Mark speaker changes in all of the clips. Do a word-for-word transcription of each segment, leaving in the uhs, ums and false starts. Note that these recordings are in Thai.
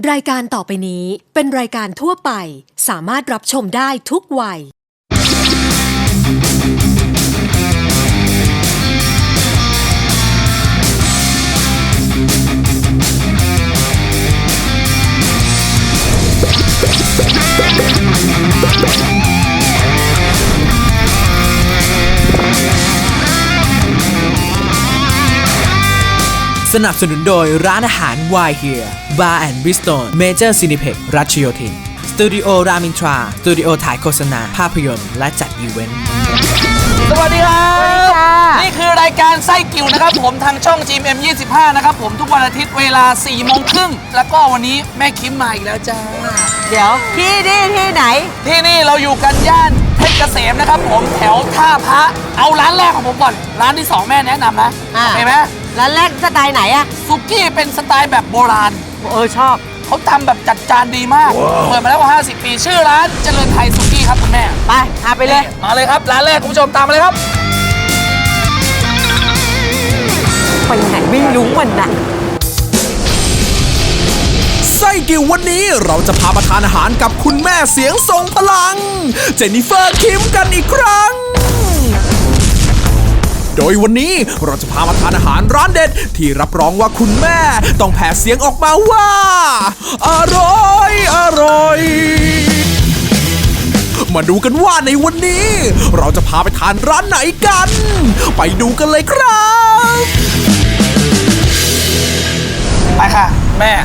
Speaker 1: รายการต่อไปนี้เป็นรายการทั่วไปสามารถรับชมได้ทุกวัย
Speaker 2: สนับสนุนโดยร้านอาหาร Why Here Bar and Bistro Major Cineplex รัชโยธินสตูดิโอรามินทราสตูดิโอถ่ายโฆษณาภาพยนตร์และจัดอีเวนต์
Speaker 3: สวัสดีครับนี่คือรายการไส้กิ่วนะครับผมทางช่อง จี เอ็ม ยี่สิบห้า นะครับผมทุกวันอาทิตย์เวลา สี่โมงครึ่งแล้วก็วันนี้แม่คิมมาอีกแล้วจ้า
Speaker 4: เดี๋ยวที่นี่ที่ไหน
Speaker 3: ที่นี่เราอยู่กันย่านเพชรเกษมนะครับผมแถวท่าพระเอาร้านแรกของผมก่อนร้านที่สองแม่แนะนำนะเห็นไหม
Speaker 4: ร้านแรกสไตล์ไหนอะ
Speaker 3: ซุกี้เป็นสไตล์แบบโบราณ
Speaker 4: เออชอบ
Speaker 3: เขาทำแบบจัดจานดีมากเปิดมาแล้วกว่าห้าสิบปีชื่อร้านเจริญไทยซุกี้ครับคุณแม่
Speaker 4: ไปพาไปเลย
Speaker 3: มาเลยครับร้านแรกคุณผู้ชมตามมาเลยครับ
Speaker 4: ไปไหนไม่รู้มันน่ะ
Speaker 2: ไส้กิ่ววันนี้เราจะพามาทานอาหารกับคุณแม่เสียงทรงพลังเจนนิเฟอร์คิมกันอีกครั้งโดยวันนี้เราจะพามาทานอาหารร้านเด็ดที่รับรองว่าคุณแม่ต้องแผ่เสียงออกมาว่าอร่อยอร่อยมาดูกันว่าในวันนี้เราจะพาไปทานร้านไหนกันไปดูกันเลยครับ
Speaker 3: ไปค่ะแม่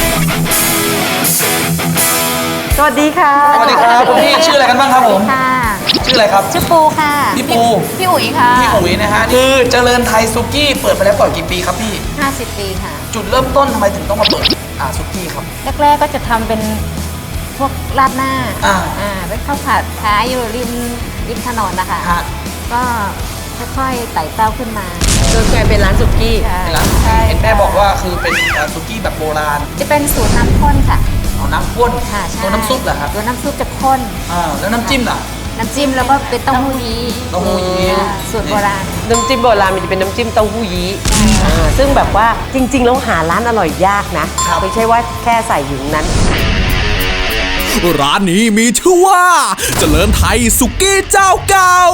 Speaker 4: สวัสดีค่ะ
Speaker 3: สวัสดีครับคุณพี่ชื่ออะไรกันบ้างครับผม
Speaker 5: ค่ะ
Speaker 3: ชื่ออะไรครับ
Speaker 5: ชื่อปูค่ะ
Speaker 3: พี่ปู
Speaker 5: พี่อุ๋ยค่ะ
Speaker 3: พี่อุ๋ยนะฮะคือเจริญไทยซุกี้เปิดมาแล้วก่อนกี่ปีครับพี่
Speaker 5: ห้าสิบปีค่ะ
Speaker 3: จุดเริ่มต้นทำไมถึงต้องมาเปิดอ่าซุกี้ครับ
Speaker 5: แรกๆก็จะทำเป็นพวกราดหน้า
Speaker 3: อ่า
Speaker 5: อ่าเป็นข้าวผัดขายอยู่ริมริมถนนนะคะก็ค่อยๆไต่เต้าขึ้นมา
Speaker 4: จนกลายเป็นร้านสุกี้
Speaker 3: เป็นร้านเห็นแม่บอกว่าคือเป็นซุกี้แบบโบราณ
Speaker 5: จะเป็นสูตรน้ำข้นค่ะ
Speaker 3: เอาน้ำข้น
Speaker 5: ค่ะใช่
Speaker 3: ตัวน้ำซุปเหรอครับ
Speaker 5: ตัวน้ำซุปจะข้น
Speaker 3: อ่าแล้วน้ำจิ้มล่ะ
Speaker 5: น้ำจิ้มแล้วก็เป็นเต้าหู้ยี้
Speaker 3: เต้าหู้ยี้
Speaker 5: สูตรโบราณ
Speaker 4: น้ำจิ้มโบราณมันจะเป็นน้ำจิ้มเต้าหู้ยี้ซึ่งแบบว่าจริงๆแล้วหาร้านอร่อยยากนะไม่ใช่ว่าแค่ใส่อยู่นั้น
Speaker 2: ร้านนี้มีชื่อว่าเจริญไทยสุกี้เจ้าเก่า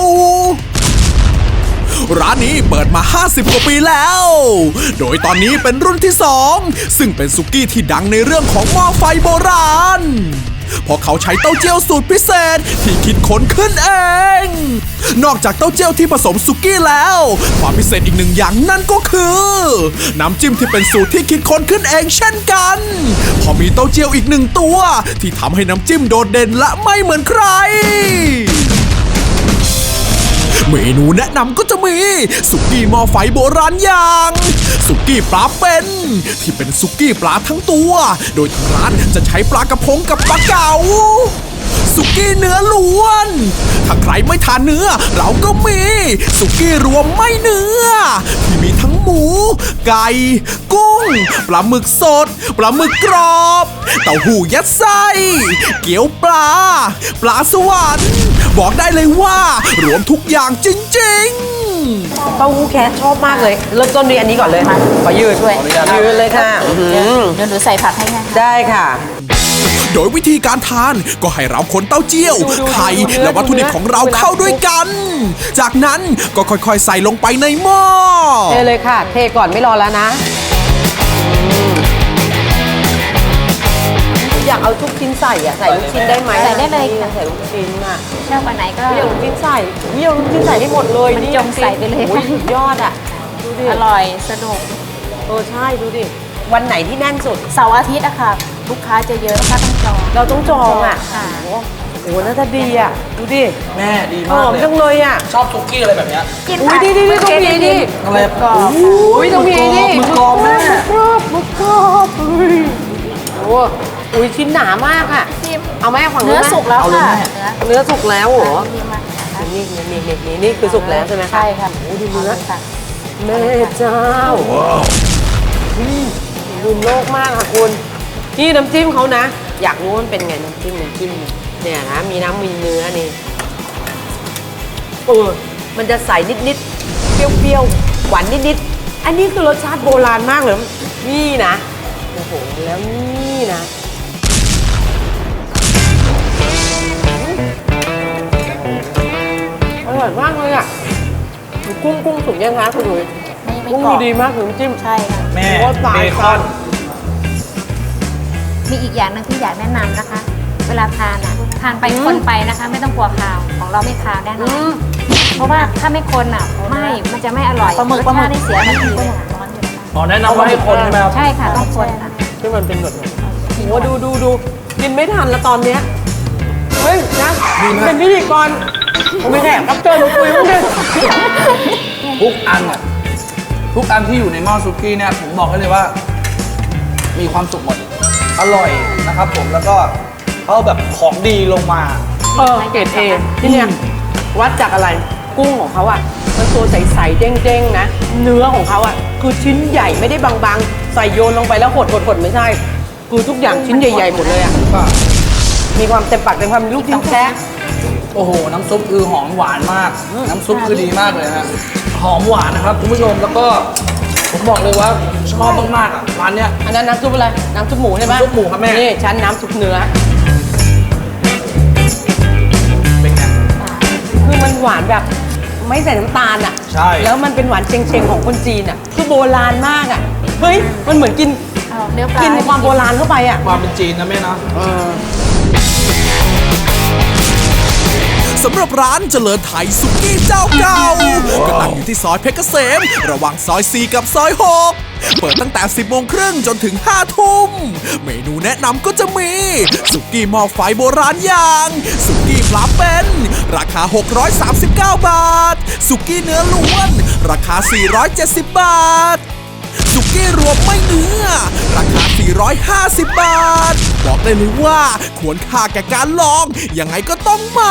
Speaker 2: ร้านนี้เปิดมาห้าสิบกว่าปีแล้วโดยตอนนี้เป็นรุ่นที่สองซึ่งเป็นสุกี้ที่ดังในเรื่องของหม้อไฟโบราณเพราะเขาใช้เต้าเจี้ยวสูตรพิเศษที่คิดค้นขึ้นเองนอกจากเต้าเจี้ยวที่ผสมสุกี้แล้วความพิเศษอีกหนึ่งอย่างนั่นก็คือน้ำจิ้มที่เป็นสูตรที่คิดค้นขึ้นเองเช่นกันพอมีเต้าเจี้ยวอีกหนึ่งตัวที่ทำให้น้ำจิ้มโดดเด่นและไม่เหมือนใครเมนูแนะนำก็จะมีสุกี้หม้อไฟโบราณอย่างสุกี้ปลาเป็นที่เป็นสุกี้ปลาทั้งตัวโดยทางร้านจะใช้ปลากระพงกับปลาเก๋าสุกี้เนื้อล้วนถ้าใครไม่ทานเนื้อเราก็มีสุกี้รวมไม่เนื้อที่มีทั้งหมูไก่กุ้งปลาหมึกสดปลาหมึกกรอบเต้าหู้ยัดไส้เกี๊ยวปลาปลาสวรรค์บอกได้เลยว่ารวมทุกอย่างจริงๆ
Speaker 4: เต้าหู้แคทชอบมากเลยเริ่มต้นด้วยอันนี้ก่อนเลยขอยืดด้วยยืดเลยค่ะ
Speaker 5: เดี๋ยวหนูใส่ผักให้ค่ะ
Speaker 4: ได้ค่ะ
Speaker 2: โดยวิธีการทานก็ให้เราคนเต้าเจี้ยวไข่และวัตถุดิบของเราเข้าด้วยกันจากนั้นก็ค่อยๆใส่ลงไปในหม้อ
Speaker 4: เทเลยค่ะเทก่อนไม่รอแล้วนะอยากเอาทุกชิ้นใส่อะใส่ลูกชิ้นได้ไหม
Speaker 5: ใส่ได้เลย
Speaker 4: ใส่ลูกชิ้นอะ
Speaker 5: ชอบวันไหนก็
Speaker 4: อยากลูกชิ้นใส่อยากลูกชิ้นใส่ได้หมดเลย
Speaker 5: มันจงใส่ไปเลย
Speaker 4: ค่ะสุดยอดอะดูดิ
Speaker 5: อร่อยสนุก
Speaker 4: เออใช่ดูดิวันไหนที่แน่นสุด
Speaker 5: เสาร์อาทิตย์อะค่ะลูกค้าจะเยอะลูกค้าต้องจอง
Speaker 4: เราต้องจองอะ
Speaker 5: ค่ะ
Speaker 4: โอ้โหน่าจะดีอะดูดิ
Speaker 3: แม่ดีมาก
Speaker 4: หอมจังเลยอะ
Speaker 3: ชอบซุกี้อะไรแบบนี้
Speaker 4: อุ้ยดีดีดีตรงนี้ดิ
Speaker 3: อะไร
Speaker 4: กรอบอุ้ยตรงนี้ดิ
Speaker 3: มึกกรอบแม่
Speaker 4: กรอบมึกกรอบอุ้ยโอ้อุ้ยชิ้นหนามากอะเอาแม่ฝั่ง
Speaker 5: เนื้อสุกแล้วค่ะ
Speaker 4: เนื้อสุกแล้วเหรอนี่นี่นี่นี่นี่คือสุกแล้วใช่ไหม
Speaker 5: ใช่ค่ะ
Speaker 4: โอ้ดูเนื้อแม่เจ้าดูโลกมากค่ะคุณนี่น้ำจิ้มเขานะอยากรู้มันเป็นไงน้ำจิ้มน้ำจิ้มเนี่ยนะมีน้ำมีเนื้อนี่เออมันจะใสนิดๆเปรี้ยวๆหวานนิดๆอันนี้คือรสชาติโบราณมากเลยนี่นะโอ้โหแล้วนี่นะอร่อยมากเลยอ่ะกุ้งกุ้งสุกยังคะคุณหนุ่ย
Speaker 5: ไม่ไม่
Speaker 4: กุ้ง
Speaker 5: กรอบ
Speaker 4: ดีมากถึงจิ้ม
Speaker 5: ใช่ค่ะ
Speaker 3: แม่
Speaker 4: โอ้ตาย
Speaker 3: เบคอน
Speaker 5: มีอีกอย่างหนึงที่อยากแนะนำนะคะ เวลาทานอ่ะทานไปคนไปนะคะ ไม่ต้องกลัวคาวของเราไม่คาวแน่น
Speaker 4: อื
Speaker 5: อน
Speaker 4: ม
Speaker 5: เพราะว่าถ้าไม่คนอ่ะไม่มันจะไม่อร่อย
Speaker 3: ปลาหมึก
Speaker 5: รส
Speaker 3: ปลาหมึ
Speaker 5: ชาก ติได้เสียทันทีเลยค่ะ
Speaker 3: อ๋อแนะนำว่าให้คนใช่ไหมครับ
Speaker 5: ใช่ค่ะต้องคนค่ะ
Speaker 4: ที่มันเป็นแบบนี้โอ้ดูดูดูกินไม่ทันแล้วตอนเนี้ยเฮ้ยนะเป็นพิธีกรผมไม่แขกรับเชิญมาคุยมั้งเนี่ย
Speaker 3: ทุกอันอ่ะทุกอันที่อยู่ในหม้อซุกี้เนี่ยผมบอกให้เลยว่า มีความสุขหมด อร่อยนะครับผมแล้วก็เขาแบบของดีลงมา
Speaker 4: เออเกรดเอที่เนี่ยวัดจากอะไรกุ้งของเขาอ่ะมันตัวใสๆเด้งๆนะ เนื้อของเขาอ่ะคือชิ้นใหญ่ไม่ได้บางๆ ใส่โยนลงไปแล้วหดๆๆไม่ใช่ คือทุกอย่างชิ้นใหญ่ๆหมดเลยอ่ะมีความเต็มปากเต็มคำลูกชิ้นแท้
Speaker 3: โอ้โห น้ำซุปคือหอมหวานมาก น้ำซุปคือดีมากเลยฮะหอมหวานนะครับคุณผู้ชมแล้วก็ผมบอกเลยว่าชอบมากๆอ่ะร้านเนี้ย
Speaker 4: อันนั้นน้ำซุปอะไรน้ำซุปหมูใช่ไหม
Speaker 3: น้ำซุปหมูครับแม่
Speaker 4: นี่ชั้นน้ำซุปเนื้อ
Speaker 3: เป็นไง
Speaker 4: คือมันหวานแบบไม่ใส่น้ำตาลอ่ะ
Speaker 3: ใช่
Speaker 4: แล้วมันเป็นหวานเชงๆของคนจีนอ่ะคือโบราณมากอ่ะเฮ้ยมันเหมือนกิน
Speaker 5: เอาเนื้อปลา
Speaker 4: กินความโบราณเข้าไปอ่ะ
Speaker 3: ความเป็นจีนนะแม่เนาะ
Speaker 2: สำหรับร้านเจริญไทยสุกี้เจ้าเก่าก็ตั้งอยู่ที่ซอยเพชรเกษม ระหว่างซอยสี่กับซอยหกเปิดตั้งแต่ สิบโมงครึ่งจนถึง ห้าทุ่มเมนูแนะนำก็จะมี สุกี้หม้อไฟโบราณอย่าง สุกี้ปลาเป็นราคา หกร้อยสามสิบเก้า บาท สุกี้เนื้อล้วน ราคา สี่ร้อยเจ็ดสิบ บาท สุกี้รวมไม่เนื้อ ราคา สี่ร้อยห้าสิบ บาท บอกได้เลยว่าควรค่าแก่การลอง ยังไงก็ต้องมา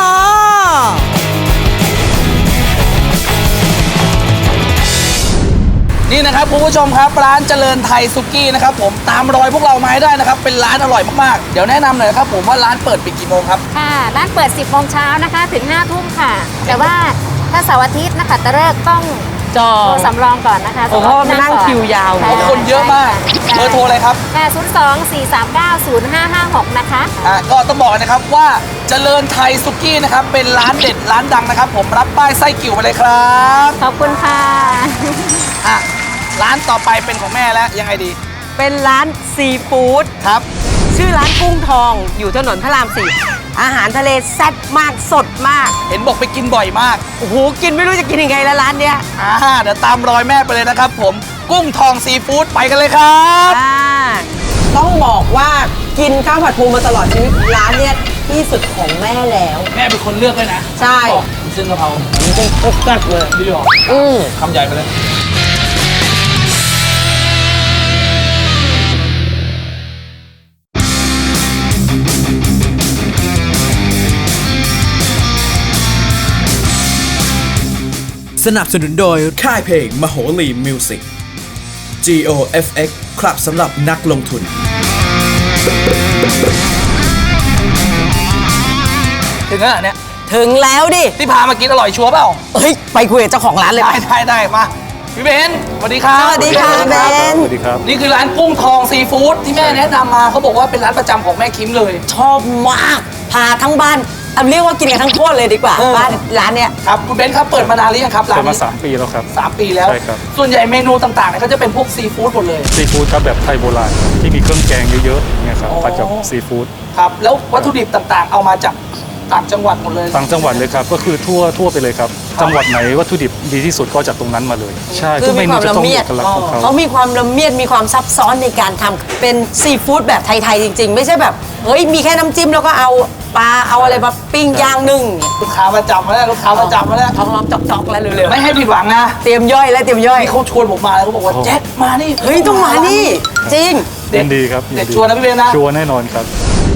Speaker 3: นี่นะครับคุณผู้ชมครับร้านเจริญไทยสุกี้นะครับผมตามรอยพวกเรามาให้ได้นะครับเป็นร้านอร่อยมากๆเดี๋ยวแนะนำหน่อยครับผมว่าร้านเปิดปิดกี่โมงครับ
Speaker 5: ค่ะร้านเปิด สิบโมงเช้านะคะ ถึง ห้าทุ่มค่ะ แต่ว่าถ้าเสาร์อาทิตย์นะคะตะเลิกต้อง
Speaker 4: จอ
Speaker 5: โทรสำรองก่อนนะคะ
Speaker 4: โอ้โหมานั่งคิวยาว
Speaker 5: ใช่
Speaker 3: เพราะคนเยอะมากเบอร์โทรอะไรครับ
Speaker 5: แปดศูนย์สอง สี่สามเก้า ศูนย์ห้าห้าหกนะคะ
Speaker 3: อ่ะก็ต้องบอกนะครับว่าเจริญไทยสุกี้นะครับเป็นร้านเด็ดร้านดังนะครับ ผมรับป้ายไส้กิ่วไปเลยครับ
Speaker 5: ขอบคุณค่ะ
Speaker 3: อ่ะร้านต่อไปเป็นของแม่แล้วยังไงดี
Speaker 4: เป็นร้านซีฟู้ด
Speaker 3: ครับ
Speaker 4: ชื่อร้านกุ้งทองอยู่ถนนพระรามสี่อาหารทะเลแซ่บมากสดมาก
Speaker 3: เห็นบอกไปกินบ่อยมาก
Speaker 4: โอ้โหกินไม่รู้จะกินยังไงแล้วร้านเนี้ย
Speaker 3: อ่าเดี๋ยวตามรอยแม่ไปเลยนะครับ ผมกุ้งทองซีฟู้ดไปกันเลยครับ
Speaker 4: อ่าต้องบอกว่ากินข้าวผัดปูมาตลอดชีวิตร้านเนี้ยที่สุดของแม่แล้ว
Speaker 3: แม่เป็นคนเลือกเลยนะ
Speaker 4: ใช่
Speaker 3: บอกเส้นกะเพรา
Speaker 4: เป็นกุ๊กกัดเลย
Speaker 3: ดีหรอ
Speaker 4: อืม
Speaker 3: คำใหญ่ไปเลย
Speaker 2: สนับสนุนโดยค่ายเพลงมโหรีมิวสิก จี โอ เอฟ เอ็กซ์ ครับสำหรับนักลงทุน
Speaker 3: ถึงแล้วเหรอเนี่ย
Speaker 4: ถึงแล้วดิ
Speaker 3: ที่พามากินอร่อยชัวร์เปล่า
Speaker 4: เฮ้ยไปคุยกับเจ้าของร้านเลย
Speaker 3: ได้
Speaker 4: ไป
Speaker 3: ได้ได้มาพี่เบนสวัสดีครับ
Speaker 4: สวัสดีค่ะเบน
Speaker 6: สวัสดีครับ
Speaker 3: นี่คือร้านกุ้งทองซีฟู้ดที่แม่แนะนำมาเขาบอกว่าเป็นร้านประจำของแม่คิมเลย
Speaker 4: ชอบมากพาทั้งบ้านเอาเรียกว่ากินกันทั้งโคตรเลยดีกว่า
Speaker 3: เออ
Speaker 4: บ้านร้านเนี้ย
Speaker 3: ครับคุณเบนครับเปิดมานานหรือยังครับร้า
Speaker 6: เปิ
Speaker 3: น
Speaker 6: ดมา
Speaker 3: นี้
Speaker 6: สามปีแล้วครับ
Speaker 3: สามปีแล้ว
Speaker 6: ใช่ครับ
Speaker 3: ส่วนใหญ่เมนูต่างๆเนี่ยก็จะเป็นพวกซีฟู้ดหมดเลย
Speaker 6: ซีฟู้ดครับแบบไทยโบราณครับที่มีเครื่องแกงเยอะๆเนี่ยครับ
Speaker 3: อ๋อ
Speaker 6: ผัดกับซีฟู้ด
Speaker 3: ครับแล้ววัตถุดิบต่างๆ เอามาจากต่างจังหวัดหมดเลย
Speaker 6: ต่างจังหวัดเลยครับก็คือทั่วทั่วไปเลยครับ จังหวัดไหนวัตถุดิบดีที่สุดก็จากตรงนั้นมาเลย ใช่
Speaker 4: คือ
Speaker 6: ทุกเม
Speaker 4: มีค
Speaker 6: นู
Speaker 4: วาม
Speaker 6: จะ
Speaker 4: ละ
Speaker 6: ต้องมี
Speaker 4: เมีย
Speaker 6: เอ
Speaker 4: ด
Speaker 6: กลักษณ์ของเขา
Speaker 4: เขามีความละเมียดมีความซับซ้อนในการทำเป็นซีฟู้ดแบบไทยๆจริง ๆ ไม่ใช่แบบเฮ้ยมีแค่น้ำจิ้มแล้วก็เอาปลาเอาอะไรมาปิ้งย่างนึ่ง
Speaker 3: ลูกค้าประจำมาแล้วลูกค้าประจำมาแล้ว
Speaker 4: ท้องร้องจอกๆแล้วเร็ว
Speaker 3: ไม่ให้ผิดหวังนะ
Speaker 4: ๆเตรียมย่อยแล้วเตรียมย่อย
Speaker 3: นี่เขาชวนผมมาแล้วเขาบอกว่าแจ็คมานี่
Speaker 4: เฮ้ยต้องมานี่จริง
Speaker 3: เด็
Speaker 6: ยิ
Speaker 3: ด
Speaker 6: นดีครับ
Speaker 3: เด็ด
Speaker 6: ยิ
Speaker 3: ชัวร์นะพี่เบนนะ
Speaker 6: ชัวร์แน่นอนครับ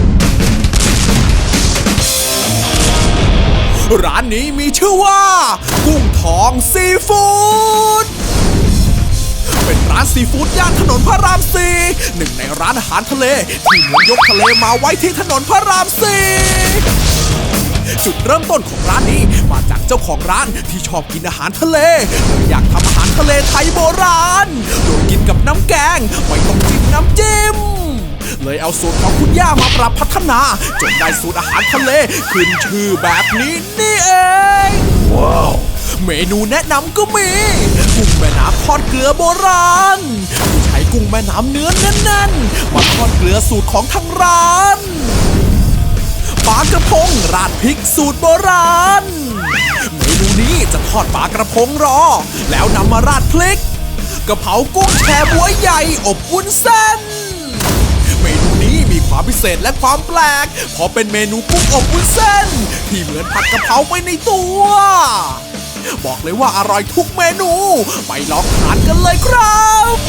Speaker 2: ร้านนี้มีชื่อว่า กุ้งทองซีฟู้ดเป็นร้านซีฟู้ดย่านถนนพระรามสี่หนึ่งในร้านอาหารทะเลที่เหมือนยกทะเลมาไว้ที่ถนนพระรามสี่จุดเริ่มต้นของร้านนี้มาจากเจ้าของร้านที่ชอบกินอาหารทะเลเลยอยากทำอาหารทะเลไทยโบราณโดยกินกับน้ำแกงไม่ต้องจิ้มน้ำจิ้มเลยเอาสูตรของคุณย่ามาปรับพัฒนาจนได้สูตรอาหารทะเลขึ้นชื่อแบบนี้นี่เองว้าวเมนูแนะนำก็มีกุ้งแม่น้ำทอดเกลือโบราณที่ใช้กุ้งแม่น้ำเนื้อแน่นๆมาทอดเกลือสูตรของทางร้านปลากระพงราดพริกสูตรโบราณเมนูนี้จะทอดปลากระพงรอแล้วนำมาราดพริกกะเพรากุ้งแช่บ๊วยใหญ่อบวุ้นเส้นเมนูนี้มีความพิเศษและความแปลกเพราะเป็นเมนูกุ้งอบวุ้นเส้นที่เหมือนผัดกะเพราไปในตัวบอกเลยว่าอร่อยทุกเมนูไปลองทานกันเลยครับ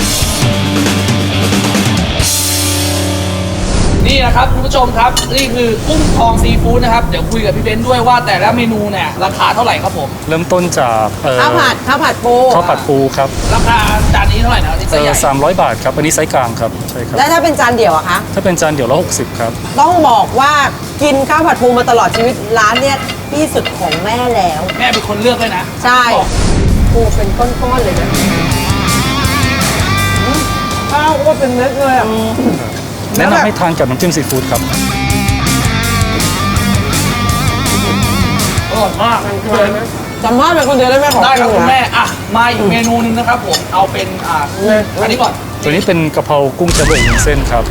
Speaker 3: นี่นะครับคุณผู้ชมครับนี่คือกุ้งทองซีฟู้ดนะครับเดี๋ยวคุยกับพี่เบนซ์ด้วยว่าแต่ละเมนูเนี่ยราคาเท่าไหร่ครับผม
Speaker 6: เริ่มต้นจากเอ่อ
Speaker 4: ข้าวผัดข้าวผัดปู
Speaker 6: ข้าวผัดปูครับ
Speaker 3: ราคาจานนี้เท่าไหร่นะที่ไซ
Speaker 6: เอ่
Speaker 3: ส์ให
Speaker 6: อ
Speaker 3: ญ่
Speaker 6: สามร้อยบาทครับอันนี้ไซส์กลางครับใช่ครับ
Speaker 4: แล้วถ้าเป็นจานเดี่ยวอะคะ
Speaker 6: ถ้าเป็นจานเดี่ยวละหกสิบครับ
Speaker 4: ต้องบอกว่ากินข้าวผัดปูมาตลอดชีวิตร้านเนี่ยที่สุดของแม่แล้ว
Speaker 3: แม่เป็นคนเลือกเลยนะ
Speaker 4: ใช่ปูเป็นก้อนๆเลยนะข้าวก็เป็นเม็ดเลยอ่ะ
Speaker 6: แนะนำให้ทานกับน้ำจิ้มซีฟู้ดครับ
Speaker 3: อร่อยมากเลย
Speaker 4: จำภาพเป็นคนเดียวได้ไหมของ
Speaker 3: ได้ครับ
Speaker 4: จง
Speaker 3: คุณ
Speaker 4: นะ
Speaker 3: แม่อ่ะมาอีกเมนูหนึงนะครับผมเอาเป็นอ่าอันนี้ก่อน
Speaker 6: ตัวนี้เป็นกะเพรากุ้งแช่บ๊วยวุ้นเส้นครับ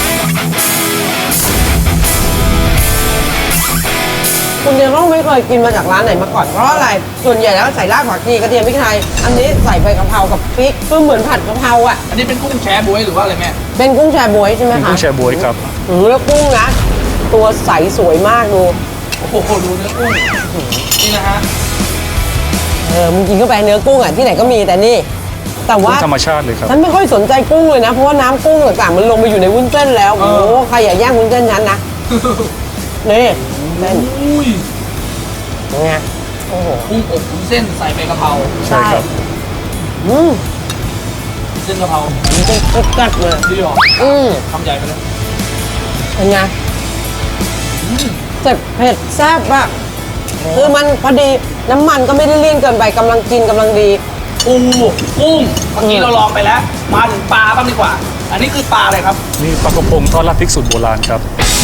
Speaker 4: คุณเดียวต้องไม่เคยกินมาจากร้านไหนมาก่อนเพราะอะไรส่วนใหญ่แล้วใส่รากผักชีกระเทียมพริกไทยอันนี้ใส่ใบกะเพรากับพริกก็เหมือนผัดกะเพราอ่ะ
Speaker 3: อันนี้เป็นกุ้งแช่บ๊วยหรือว่าอะไรแม่
Speaker 4: เป็นกุ้งแชบ๊วยใช่ไหม
Speaker 6: เป็น
Speaker 4: คะ
Speaker 6: กุ้งแช่บ๊วยครับ
Speaker 4: อืมแล้วกุ้งนะตัวใสสวยมากดู
Speaker 3: โอ้โหดูเนื้อกุ้งนี่นะฮะ
Speaker 4: เออมึงกินเข้าไปเนื้อกุ้งอ่ะที่ไหนก็มีแต่นี่ แต่
Speaker 6: กุ้
Speaker 4: ว่าง
Speaker 6: ธรรมชาติเลยครับ
Speaker 4: ฉันไม่ค่อยสนใจกุ้งเลยนะ เพราะว่าน้ำกุ้งต่างๆมันลงไปอยู่ในวุ้นเส้นแล้วโอ้โหใครอย่าแย่งวุ้นเส้นฉันนะนี่เส้น
Speaker 3: อุ้ย
Speaker 4: ไงโอ้โห
Speaker 3: กุ้งอบวุ้นเส้นใส่ใบกะเพรา
Speaker 6: ใช่ครับ
Speaker 4: อืม
Speaker 3: เส้นกะเพรา
Speaker 4: มันจะกัดๆเลย
Speaker 3: ดีหรอ
Speaker 4: อืม
Speaker 3: ทำใหญ่ไปเลย
Speaker 4: เป็นไงเจ็บเผ็ดแซ่บอะคือมันพอดีน้ำมันก็ไม่ได้เลี่ยนเกินไปกำลังกินกำลังดี
Speaker 3: ปูกุ้งเมื่อกี้เราลองไปแล้ว มาถึงปลาบ้างดีกว่า อันนี้คือปลาอะไรครับ
Speaker 6: นี่ปลากระพงทอดราดพริกสูตรโบราณครับ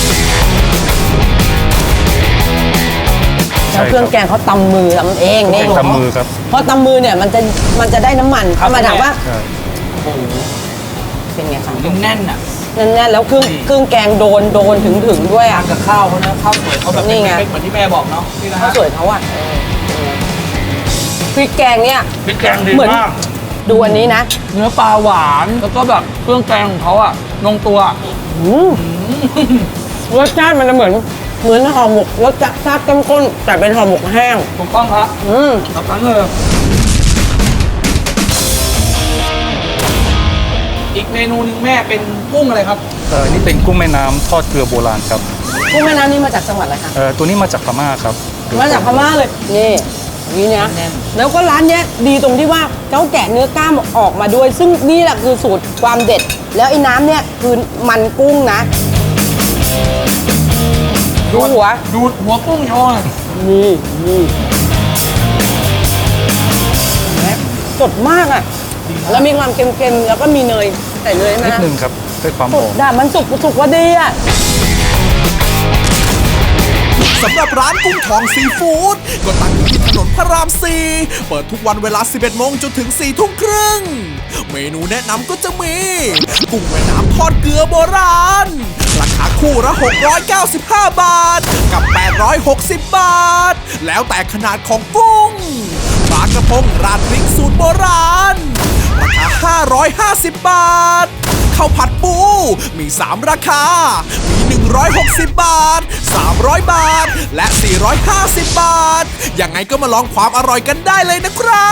Speaker 4: แล้วเครื่องแกงเขาตำมือทำเองนี่
Speaker 6: ตำมือครับ
Speaker 4: เพราะตำมือเนี่ยมันจะมันจะได้น้ำมัน
Speaker 3: ครับ
Speaker 4: มาถามว่า
Speaker 6: ใช่
Speaker 3: โอ้โห
Speaker 4: เป็นไงคะ
Speaker 3: แน่นๆอ่ะ
Speaker 4: แน่นๆแล้วเครื่องเครื่องแกงโดนโดนถึงถึงๆด้วย
Speaker 3: ทา
Speaker 4: อ่ะ
Speaker 3: นกับข้าวเขานะข้าวสวยเขาแบบ
Speaker 4: นี่ไง
Speaker 3: เป็นเหมือนที่แม่บอกเนาะนี่นะ
Speaker 4: ข้า
Speaker 3: ฮะ
Speaker 4: วสวยเขาอ่ะพริกแกงเนี่ย
Speaker 3: พริกแกงดี
Speaker 4: เหมือน
Speaker 3: มาก
Speaker 4: ดูอันนี้นะ
Speaker 3: เนื้อปลาหวานแล้วก็แบบเครื่องแกงของเขาอ่ะลงตัว
Speaker 4: อืมรสชาติมันจะเหมือนเหมือนห่อหมกรสชาติเข้มข้นแต่เป็นห่อหมกแห้ง
Speaker 3: ถูกต้องครับ
Speaker 4: อืม
Speaker 3: สับนั้นเลยอีกเมนูหนึงแม่เป็นกุ้งอะไรครับ
Speaker 6: เอ่อนี่เป็นกุ้งแม่น้ำทอดเกลือโบราณครับ
Speaker 4: กุ้งแม่น้ำนี่มาจากจังหวัดอะไรคะ
Speaker 6: เอ่อตัวนี้มาจากพม่าครับ
Speaker 4: มาจากพม่าเลย นี่นี่นะ
Speaker 3: แน่น
Speaker 4: แล้วก็ร้านเนี้ยดีตรงที่ว่าเขาแกะเนื้อกล้ามออกมาด้วย ซึ่งนี่แหละคือสูตรความเด็ด แล้วไอ้น้ำเนี่ยคือมันกุ้งนะดูหัว
Speaker 3: ดูดหัวกุ้งโชว์หน่อย
Speaker 4: นี่นี่สดมากอ่ะ แล้วมีความเค็มๆ แล้วก็มีเนยใส่เนยไหม
Speaker 6: นิดนึงครับเพื่อความห
Speaker 4: สุ
Speaker 6: อก ม
Speaker 4: ด่ามันสุกสุกว่าดีอ่ะ
Speaker 2: สำหรับร้านกุ้งทองซีฟู้ดก็ตั้งอยู่ที่ถนนพระรามสี่เปิดทุกวันเวลา สิบเอ็ดโมงจนถึง สี่ทุ่มครึ่งเมนูแนะนำก็จะมี กุ้งแม่น้ำทอดเกลือโบราณ ราคาคู่ละหกร้อยเก้าสิบห้า บาท กับ แปดร้อยหกสิบ บาท แล้วแต่ขนาดของกุ้งปลากระพงราดพริกสูตรโบราณ ราคา ห้าร้อยห้าสิบ บาท ข้าวผัดปู มี สาม ราคา มี หนึ่งร้อยหกสิบ บาท สามร้อย บาท และ สี่ร้อยห้าสิบ บาท ยังไงก็มาลองความอร่อยกันได้เลยนะครับ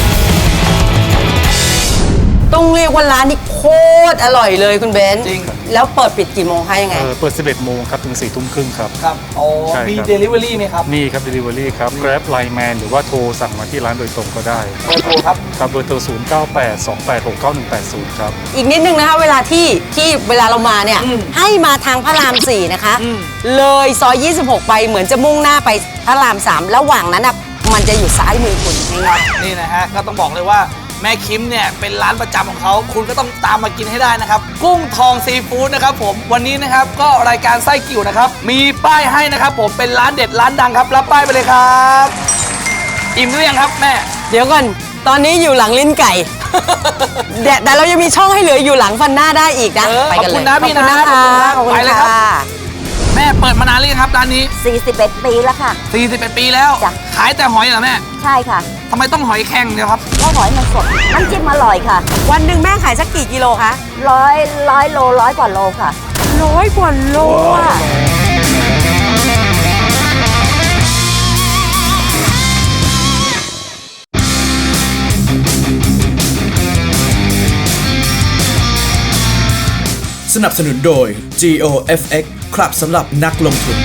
Speaker 4: ต้องเรียกว่าร้านนี้โคตรอร่อยเลยคุณเบนซ์
Speaker 3: จริง
Speaker 4: แล้วเปิดปิดกี่โมงคะยังไง
Speaker 6: เอ่อเปิด สิบเอ็ดโมงครับถึงสี่ทุ่มครึ่งครับ
Speaker 3: ครับโอ้
Speaker 6: ใช่ครับ
Speaker 3: มี Delivery ไหมครับ
Speaker 6: นี่ครับ Delivery ครับ Grab Line Man หรือว่าโทรสั่งมาที่ร้านโดยตรงก็ได้
Speaker 3: เบอร์โทรครับ
Speaker 6: ครับเบอร์โทรศูนย์ เก้า แปด สอง แปด หก เก้า หนึ่ง แปด ศูนย์ครับ
Speaker 4: อีกนิดนึงนะคะเวลาที่ที่เวลาเรามาเนี่ย
Speaker 3: อืม
Speaker 4: ให้มาทางพระรามสี่นะคะ
Speaker 3: อืม
Speaker 4: เลยซอยยี่สิบหกไปเหมือนจะมุ่งหน้าไปพระรามสามระหว่างนั้นนะมันจะอยู่ซ้ายมือคุณง่าย
Speaker 3: นี่นะฮะก็ต้องบอกเลยว่าแม่คิมเนี่ยเป็นร้านประจำของเขาคุณก็ต้องตามมากินให้ได้นะครับ กุ้งทองซีฟู้ดนะครับผมวันนี้นะครับก็รายการไส้กิ่วนะครับมีป้ายให้นะครับผมเป็นร้านเด็ดร้านดังครับรับป้ายไปเลยครับอิ่มหรือยังครับแม่
Speaker 4: ๆ เดี๋ยวก่อนตอนนี้อยู่หลังลิ้นไก่ แต่แต่เรายังมีช่องให้เหลืออยู่หลังฟันหน้าได้อีกนะ
Speaker 3: เออ
Speaker 4: ไปกันเลย
Speaker 3: ขอบคุณนะพี่นะ
Speaker 4: ขอบคุณนะคะ
Speaker 3: ขอบคุณครับ
Speaker 4: ขอบคุณ
Speaker 3: ไปเลยครับ
Speaker 4: ค่ะ
Speaker 3: แม่เปิดมานานหรือยังครับร้านนี้
Speaker 5: สี่สิบเอ็ด ปีแล้วค่ะ
Speaker 3: สี่สิบเอ็ดปีแล้ว
Speaker 5: จ้ะ
Speaker 3: ขายแต่หอยเหรอแม่
Speaker 5: ใช่ค่ะ
Speaker 3: ทำไมต้องหอยแข็งเนี่ยครับ
Speaker 5: ก็หอยมันสด น้ำจิ้มอร่อยค่ะ
Speaker 4: วันหนึ่งแม่ขายสักกี่กิโลคะ
Speaker 5: ร้อยร้อยโลร้อยกว่าโลค่ะ
Speaker 4: ร้อยกว่าโลอ่ะ
Speaker 2: สนับสนุนโดย จี โอ เอฟ เอ็กซ์ ครับสำหรับนักลงทุน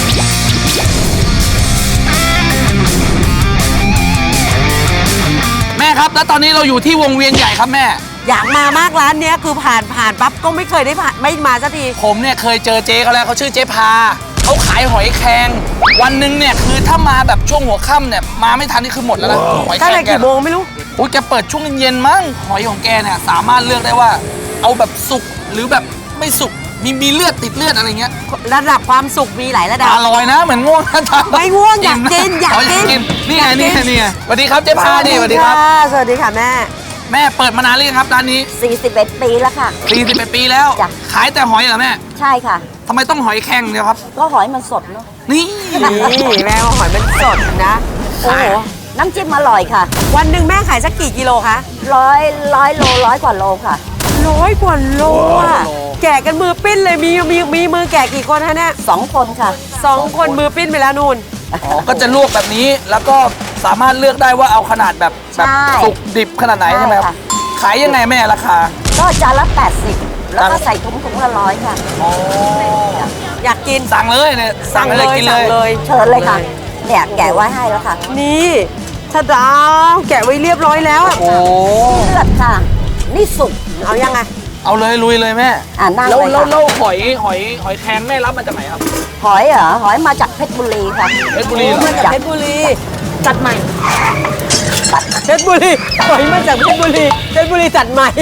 Speaker 3: แม่ครับแล้วตอนนี้เราอยู่ที่วงเวียนใหญ่ครับแม่
Speaker 4: อยากมามากร้านเนี้ยคือผ่านผ่านปั๊บก็ไม่เคยได้ผ่านไม่มาสักที
Speaker 3: ผมเนี่ยเคยเจอเจ๊เขาแล้วเขาชื่อเจ๊พาเขาขายหอยแครงวันหนึ่งเนี่ยคือถ้ามาแบบช่วงหัวค่ำเนี่ยมาไม่ทันนี่คือหมดแล้วนะหอยแค
Speaker 4: ตั้ง
Speaker 3: ร
Speaker 4: แต่
Speaker 3: งแก
Speaker 4: กี่โมงไม่รู้
Speaker 3: อุ้ยแกเปิดช่วงเย็นๆมั้งหอยของแกเนี่ยสามารถเลือกได้ว่า เอาแบบสุกหรือแบบไม่สุกมีมีเลือดติดเลือดอะไรเงี้ย
Speaker 4: ระดับความสุขมีหลายระดับ
Speaker 3: อร่อยนะเหมือนง่วงนะจ๊ะ
Speaker 4: ไม่ง่วงอยากกินอยาก
Speaker 3: อ๋อ
Speaker 4: กิน
Speaker 3: นี่ไงนี่ไงนี่ไงสวัสดีครับเจ๊พานี่สวัสดีครับ
Speaker 4: สวัสดีค่ะแม่
Speaker 3: แม่เปิดมานานหรือยังครับร้านนี้
Speaker 5: สี่สิบเอ็ด ปีแล้วค่ะ
Speaker 3: สี่สิบเอ็ดปีแล้ว
Speaker 5: จ้ะ
Speaker 3: ขายแต่หอยเหรอแม่
Speaker 5: ใช่ค่ะ
Speaker 3: ทำไมต้องหอยแครงเนี่ยครับ
Speaker 5: ก็หอยมันสดเนาะ
Speaker 3: นี่
Speaker 4: นี่แม่ว่าหอยมันสดนะ โอ้โห
Speaker 5: น้ำจิ้มอร่อยค่ะ
Speaker 4: วันหนึ่งแม่ขายสักกี่กิโลคะ
Speaker 5: ร้อยร้อยโลร้อยกว่าโลค่ะ
Speaker 4: ร้อยกว่าโลอ่ะแกะกันมือปิ้นเลยมีมีมีมือแกะกี่คนฮะเนี่ย
Speaker 5: สองคนค่ะ
Speaker 4: สองคนมือปิ้นไปแล้วนู่น
Speaker 3: อ๋อก็จะลวกแบบนี้แล้วก็สามารถเลือกได้ว่าเอาขนาดแบบแบบ
Speaker 5: ใช่
Speaker 3: สุกดิบขนาดไหนใช่ไหมครับ
Speaker 5: ใช่ค่ะ
Speaker 3: ขายยังไงแม่ราคา
Speaker 5: ก็จานละแปดสิบแล้วก็
Speaker 3: จานละ
Speaker 5: ใส่ถุงถุงละร้อยค่ะ
Speaker 3: อ๋อ
Speaker 4: อยากกิน
Speaker 3: สั่งเลยเนี่ยสั่งเลยกินเล
Speaker 4: สั่ง
Speaker 3: ย
Speaker 4: เลย
Speaker 5: เชิญเลยค่ะ เนี่ยแกะไว้ให้แล้วค่ะ
Speaker 4: นี่ชาดาวแกะไว้เรียบร้อยแล้วอะ
Speaker 3: โอ้
Speaker 5: เลือดค่ะ นี่สุก
Speaker 4: เอายังไง
Speaker 3: เอาเลยลุยเลยแม่
Speaker 5: อ่านั่ง
Speaker 3: แล้ว
Speaker 5: เลย
Speaker 3: แล้ว
Speaker 5: ค่ะ
Speaker 3: แล้วหอยหอยหอยแครงแม่รับมาจากไหนครับ
Speaker 5: หอยเหรอ หอยมาจากเพชรบุรีค่ะ
Speaker 3: เพชรบุรีเหรอ
Speaker 4: มาจากเพชรบุรี
Speaker 5: จัดใหม่
Speaker 4: เพชรบุรีหอยมาจากเพชรบุรีเพชรบุรีจัดใหม่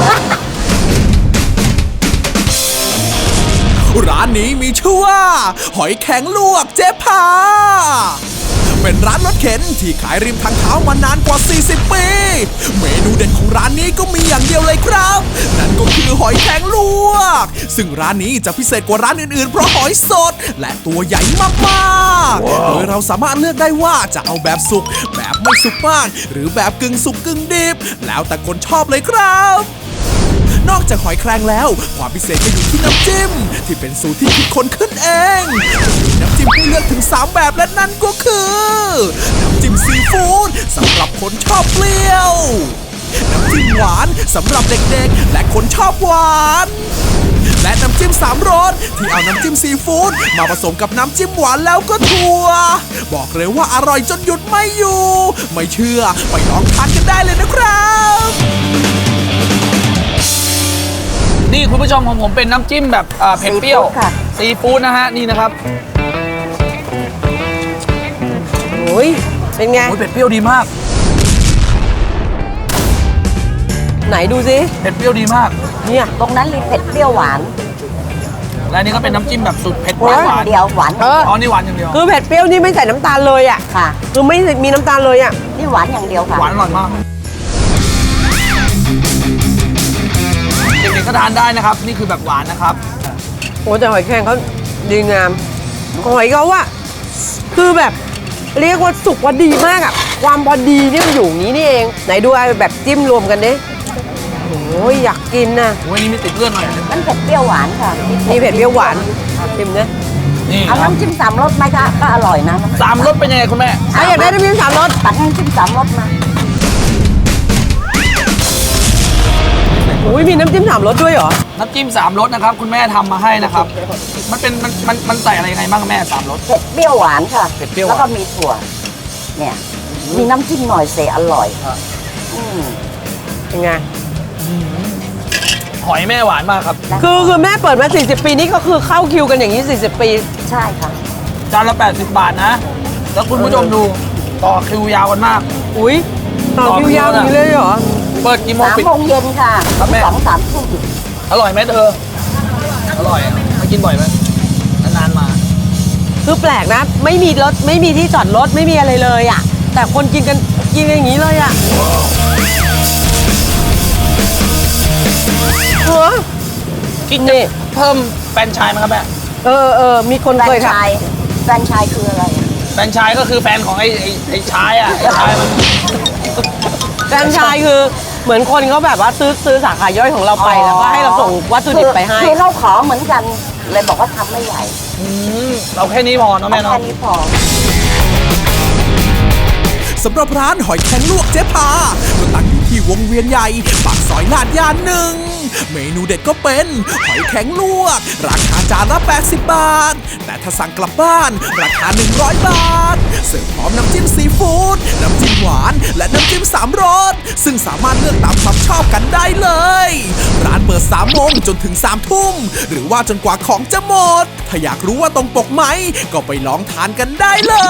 Speaker 2: ร้านนี้มีชื่อว่า หอยแข็งลวกเจ๊พา เป็นร้านรถเข็นที่ขายริมทางเท้ามานานกว่า สี่สิบ ปี เมนูเด่นของร้านนี้ก็มีอย่างเดียวเลยครับ นั่นก็คือหอยแข็งลวก ซึ่งร้านนี้จะพิเศษกว่าร้านอื่นๆ เพราะหอยสด และตัวใหญ่มากๆ โดยเราสามารถเลือกได้ว่าจะเอาแบบสุก แบบไม่สุกมาก หรือแบบกึ่งสุกกึ่งดิบ แล้วแต่คนชอบเลยครับ นอกจากหอยแครงแล้ว ความพิเศษก็อยู่ที่น้ำจิ้ม ที่เป็นสูตรที่คิดค้นขึ้นเองมีน้ำจิ้มให้เลือกถึง สาม แบบและนั่นก็คือ น้ำจิ้มซีฟู้ดสำหรับคนชอบเปรี้ยว น้ำจิ้มหวานสำหรับเด็กๆ และคนชอบหวาน และน้ำจิ้มสามรสที่เอาน้ำจิ้มซีฟู้ดมาผสมกับน้ำจิ้มหวานแล้วก็ถั่วบอกเลยว่าอร่อยจนหยุดไม่อยู่ ไม่เชื่อไปลองทานกันได้เลยนะครับ
Speaker 3: นี่คุณผู้ชมของผมเป็นน้ำจิ้มแบบอ่าเผ็ดเปรี้ยว
Speaker 5: ซีฟู้ดค่ะ
Speaker 3: ซีฟู้ดนะฮะนี่นะครับ
Speaker 4: โอ้ยเป็นไง
Speaker 3: โอ้ยเผ็ดเปรี้ยวดีมาก
Speaker 4: ไหนดูสิ
Speaker 3: เผ็ดเปรี้ยวดีมาก
Speaker 4: เนี่ย
Speaker 5: ตรงนั้นมีเผ็ดเปรี้ยวหวาน
Speaker 3: และอันนี่ก็เป็นน้ำจิ้มแบบสุดเผ็ด
Speaker 4: โอ้ย
Speaker 3: หวาน
Speaker 5: เดียวหวาน
Speaker 4: เออ
Speaker 3: อ๋อนี่หวานอย่างเดียว
Speaker 4: คือเผ็ดเปรี้ยวนี่ไม่ใส่น้ำตาลเลยอ่ะ
Speaker 5: ค่ะ
Speaker 4: คือไม่มีน้ำตาลเลยอ่ะ
Speaker 5: นี่หวานอย่างเดียวค่ะ
Speaker 3: หวานอร่อยมากเด็กๆก็ทานได้นะครับ นี่คือแบบหวานนะครับ
Speaker 4: โอ้แต่หอยแครงเขาดีงามหอยเขาอะคือแบบเรียกว่าสุกว่าดีมากอะความพอดีนี่มันอยู่อย่างนี้นี่เอง ไหนดูไอ้แบบจิ้มรวมกันดิโอ้ยอยากกินนะ
Speaker 3: โอ้ยนี่ไม่ติดเลือดหน่อย
Speaker 5: มันเผ็ดเปรี้ยวหวานค่ะ
Speaker 4: นี่เผ็ดเปรี้ยวหวานชิมนะ
Speaker 3: นี่
Speaker 5: เอาน้ำจิ้มสามรสไหมคะก็อร่อยนะ
Speaker 3: สามรสเป็นยังไงคุณแม่
Speaker 4: ถ้าอยากได้น้ำจิ้มสามรส
Speaker 5: ตักน้ำจิ้มสามรสมา
Speaker 4: อุ้ยมีน้ำจิ้มสามรสด้วยเหรอ
Speaker 3: น้ำจิ้มสามรสนะครับ คุณแม่ทำมาให้นะครับ มันเป็นมันมันมันใส่อะไรยังไงบ้างแม่สามรส
Speaker 7: เผ็ดเปรี้ยวหวานค่ะ
Speaker 3: เผ็ดเปรี้ยวหวาน
Speaker 7: แล้วก็มีถั่ว เนี่ย มีน้ำจิ้มหน่อยเสอร่อย
Speaker 3: อ่ะ
Speaker 7: อืม
Speaker 4: เป็นไง
Speaker 3: หอยแม่หวานมากครับ
Speaker 4: คือคือแม่เปิดมา สี่สิบ ปีนี่ก็คือเข้าคิวกันอย่างนี้ สี่สิบ ปี
Speaker 7: ใช่ค่ะ
Speaker 3: จานละแปดสิบบาทนะ แล้วคุณผู้ชมดูต่อคิวยาวกันมาก
Speaker 4: อุ้ยต่อคิวยาวอย่างนี้เลยเหรอ
Speaker 3: เปิดกี่โมง
Speaker 7: สาม
Speaker 3: ปิด
Speaker 7: โมงเย็นค่ะ
Speaker 3: ครับแม่
Speaker 7: สองสามทุ่ม
Speaker 3: อร่อยไหมเธอ อร่อยอะมากินบ่อยไหมนานๆมา
Speaker 4: คือแปลกนะ ไม่มีรถไม่มีที่จอดรถไม่มีอะไรเลยอ่ะ แต่คนกินกันกินกันอย่างนี้เลยอ่ะเออ
Speaker 3: คิดจะเพิ่มแฟรนไชส์ไหมครับแม่
Speaker 4: เออเออมีคน
Speaker 7: แฟร
Speaker 4: เคน ย
Speaker 7: ไช
Speaker 4: ค่ะ
Speaker 7: ส์แฟรนไชส์คืออะไรอะ
Speaker 3: แฟรนไชส์ก็คือแฟนของไอ้ไอ้ไอ้ชายอ่ะไอ้ชายมัน
Speaker 4: แฟรนไชส์คือเหมือนคนเขาแบบว่าซื้อซื้อสาขาย่อยของเราไปแล้วก็ให้เราส่งวัตถุดิบไปให้
Speaker 7: คือเราขอเหมือนกัน เลยบอกว่าทำไม่ใหญ่
Speaker 3: อืมเราแค่นี้พอเนาะแม่
Speaker 7: เอา
Speaker 3: เนาะ
Speaker 7: แค่นี้พอ
Speaker 2: สำหรับร้านหอยแครงลวกเจ๊พาก็ตั้งอยู่ที่วงเวียนใหญ่ปากซอยลาดยานหนึ่ง เมนูเด็ดก็เป็นหอยแครงลวก ราคาจานละแปดสิบบาท แต่ถ้าสั่งกลับบ้าน ราคาหนึ่งร้อยบาท เสิร์ฟพร้อมน้ำจิ้มซีฟู้ดน้ำจิ้มหวาน และน้ำจิ้มสามรสซึ่งสามารถเลือกตามความชอบกันได้เลย ร้านเปิดสามโมงจนถึงสามทุ่มหรือว่าจนกว่าของจะหมด ถ้าอยากรู้ว่าตรงปกไหมก็ไปลองทานกันได้เลย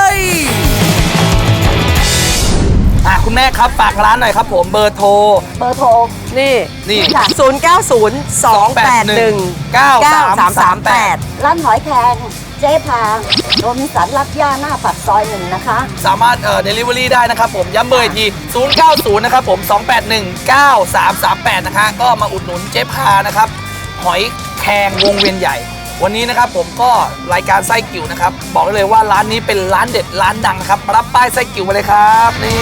Speaker 3: อ่ะคุณแม่ครับฝากร้านหน่อยครับผมเบอร์โทร
Speaker 7: เบอร์โทร
Speaker 4: นี่
Speaker 3: นี่
Speaker 7: ค่ะ
Speaker 4: ศูนย์ เก้า ศูนย์ สอง แปด หนึ่ง เก้า สาม สาม แปด
Speaker 7: ร้านหอยแครงเจ๊พาโรบินสันรักย่าหน้าปากซอยหนึ่งนะคะ
Speaker 3: สามารถเอ่อเดลิเวอรี่ได้นะครับผมย้ำเบอร์อีกที ศูนย์ เก้า ศูนย์ นะครับผม สอง แปด หนึ่ง เก้า สาม สาม แปด นะคะก็มาอุดหนุนเจ๊พานะครับ หอยแครงวงเวียนใหญ่ วันนี้นะครับผมก็รายการไส้กิ่วนะครับ บอกได้เลยว่าร้านนี้เป็นร้านเด็ดร้านดังนะครับรับป้ายไส้กิ่วมาเลยครับนี่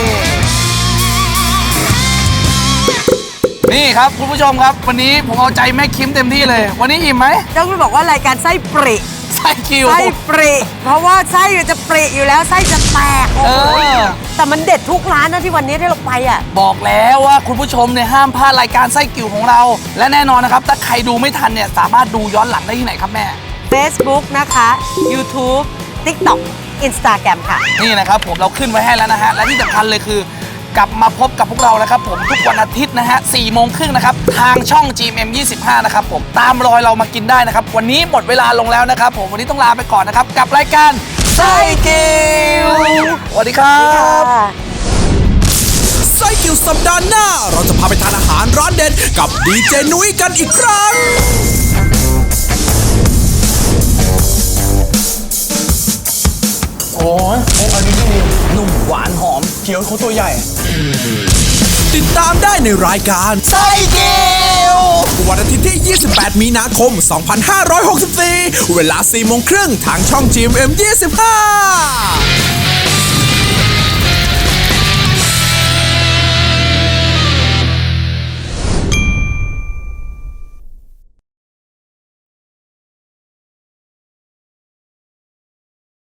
Speaker 3: นี่ครับคุณผู้ชมครับ วันนี้ผมเอาใจแม่คิมเต็มที่เลย วันนี้อิ่มไหม
Speaker 4: ต้องบอกว่ารายการไส้ปริ
Speaker 3: ไส้กิ่ว
Speaker 4: ไส้ปริเพราะว่าไส้จะปริอยู่แล้วไส้จะแตก
Speaker 3: เออ
Speaker 4: แต่มันเด็ดทุกร้านนะที่วันนี้ที่เราไปอ่ะ
Speaker 3: บอกแล้วว่าคุณผู้ชมเนี่ยห้ามพลาดรายการไส้กิ่วของเรา และแน่นอนนะครับ ถ้าใครดูไม่ทันเนี่ยสามารถดูย้อนหลังได้ที่ไหนครับแม่
Speaker 4: Facebook นะคะ YouTube TikTok Instagram ค่ะ
Speaker 3: นี่นะครับผมเราขึ้นไว้ให้แล้วนะฮะ และที่สำคัญเลยคือกลับมาพบกับพวกเรานะครับผมทุกวันอาทิตย์นะฮะสี่โมงครึ่งนะครับ ทางช่อง จี เอ็ม ยี่สิบห้า นะครับผมตามรอยเรามากินได้นะครับ วันนี้หมดเวลาลงแล้วนะครับผมวันนี้ต้องลาไปก่อนนะครับ กับรายการไส้กิ่วสวัสดีครับ
Speaker 2: ไส้กิ่วสัปดาห์หน้า เราจะพาไปทานอาหารร้านเด็ดกับดีเจนุ้ยกันอีกครั้ง
Speaker 3: โอ้ยโอ้อันนี้ดีนุ่มหวานหอมเกี๊ยวเขาตัวใหญ่
Speaker 2: ติดตามได้ในรายการไส้กิ่ววันอาทิตย์ที่ ยี่สิบแปด มีนาคม สองพันห้าร้อยหกสิบสี่ เวลา สี่โมงครึ่งทางช่อง จี เอ็ม ยี่สิบห้า